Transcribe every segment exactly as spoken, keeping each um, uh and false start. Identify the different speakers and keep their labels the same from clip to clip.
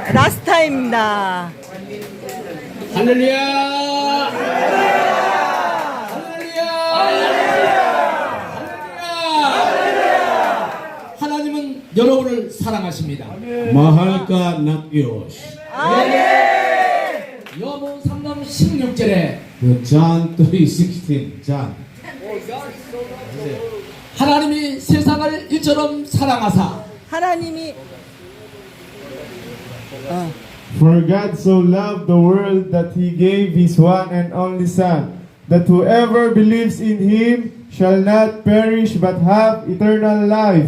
Speaker 1: 라스타입니다.
Speaker 2: 할렐루야! 할렐루야! 하나님은 여러분을 사랑하십니다.
Speaker 3: Mahal ka ng Diyos.
Speaker 2: 여보 삼 장 십육 절에
Speaker 3: John three sixteen. John.
Speaker 2: 하나님이 세상을 이처럼 사랑하사
Speaker 1: 하나님이 어,
Speaker 4: For God so loved the world that He gave His one and only Son, that whoever believes in Him shall not perish but have eternal life.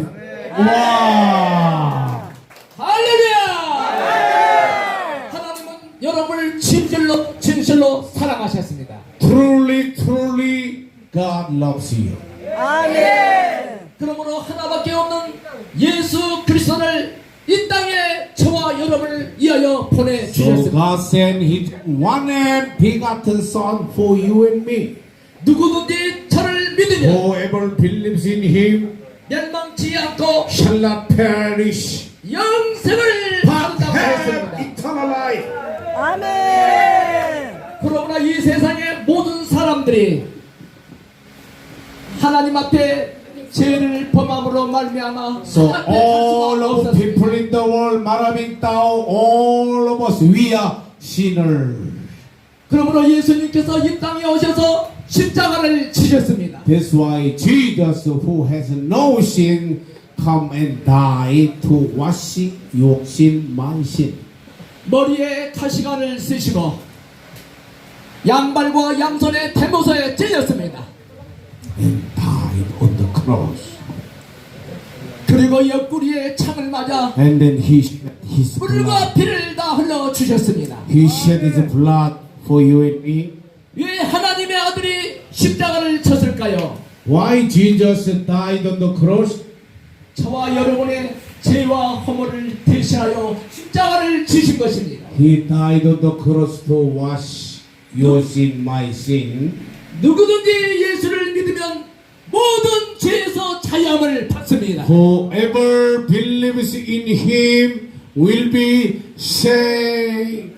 Speaker 3: Wow!
Speaker 2: 할렐루야! 하나님은 여러분을 진실로 진실로 사랑하셨습니다.
Speaker 3: Truly, truly, God loves you.
Speaker 1: 아멘.
Speaker 2: 그러므로 하나밖에 없는 예수 그리스도를 이 땅에 저와 여러분을 위하여
Speaker 3: So
Speaker 2: 보내주셨습니다.
Speaker 3: God sent His one and begotten Son for you and me.
Speaker 2: 누구든지 저를 믿으면
Speaker 3: Whoever believes in Him
Speaker 2: 멸망치 않고
Speaker 3: shall not perish,
Speaker 2: 영생을
Speaker 3: but
Speaker 2: 받는다고
Speaker 3: have
Speaker 2: 했습니다.
Speaker 3: eternal life.
Speaker 1: 아멘.
Speaker 2: 그러나 이 세상의 모든 사람들이 하나님 앞에 죄를 범함으로 말미암아
Speaker 3: So
Speaker 2: 하나님 앞에 갈
Speaker 3: all
Speaker 2: 수가
Speaker 3: of
Speaker 2: 없었습니다.
Speaker 3: people in the world, maraming tao, all of us, we are sinners.
Speaker 2: 그러므로 예수님께서 이 땅에 오셔서 십자가를 지셨습니다.
Speaker 3: That's why Jesus, who has no sin, come and die to wash your sin, my sin.
Speaker 2: 머리에 가시관을 쓰시고 양발과 양손에 대모서에 찔렸습니다.
Speaker 3: And died on the cross.
Speaker 2: 그리고 옆구리에 창을 맞아
Speaker 3: And then he shed his blood.
Speaker 2: 물과 피를 다 흘러 주셨습니다.
Speaker 3: He shed his blood for you and me.
Speaker 2: 왜 하나님의 아들이 십자가를 쳤을까요?
Speaker 3: Why Jesus died on the cross?
Speaker 2: 저와 여러분의 죄와 허물을 대신하여 십자가를 지신 것입니다.
Speaker 3: He died on the cross to wash your sin, my sin.
Speaker 2: 누구든지 예수를 믿으면 모든 죄에서 자유함을 받습니다.
Speaker 3: Whoever believes in him will be saved.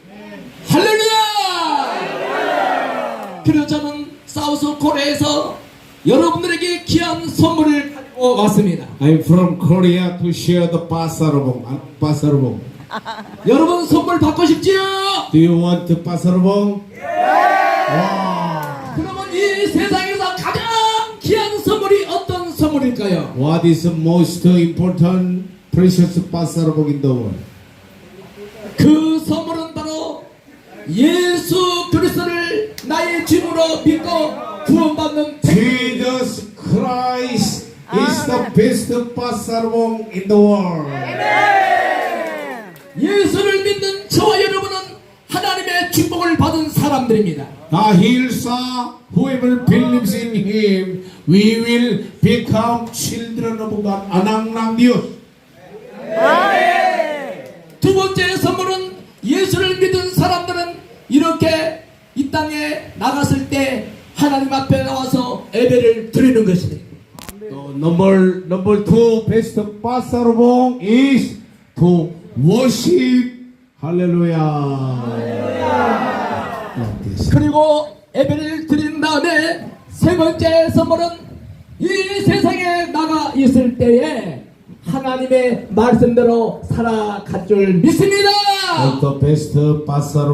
Speaker 2: 할렐루야! 그래서 저는 사우스 코리아에서 여러분들에게 귀한 선물을 가지고 왔습니다.
Speaker 3: I'm from Korea to share the pasarobong. Uh, pasarobong.
Speaker 2: 여러분 선물 받고 싶지요?
Speaker 3: Do you want the pasarobong?
Speaker 2: 그러면 이 세상에서 가장 귀한 선물이 어떤 선물일까요?
Speaker 3: What is the most important precious pasarobong in the world?
Speaker 2: 그 선물은 바로 예수 그리스도를 나의 주님으로 믿고 구원받는
Speaker 3: Jesus Christ is the best pasarobong in the world.
Speaker 2: 예수를 믿는 저와 여러분은 하나님의 축복을 받은 사람들입니다.
Speaker 3: Dahil sa whoever believes in Him, we will become children of God. Anak ng Diyos.
Speaker 2: 두 번째 선물은 예수를 믿은 사람들은 이렇게 이 땅에 나갔을 때 하나님 앞에 나와서 예배를 드리는 것입니다.
Speaker 3: So number number two best pasarobong is to worship. Hallelujah. Like this.
Speaker 2: 그리고 예배를 드린 다음에 세 번째 선물은 이 세상에 나가 있을 때에 하나님의 말씀대로 살아갈 줄 믿습니다.
Speaker 3: And the best pasarobong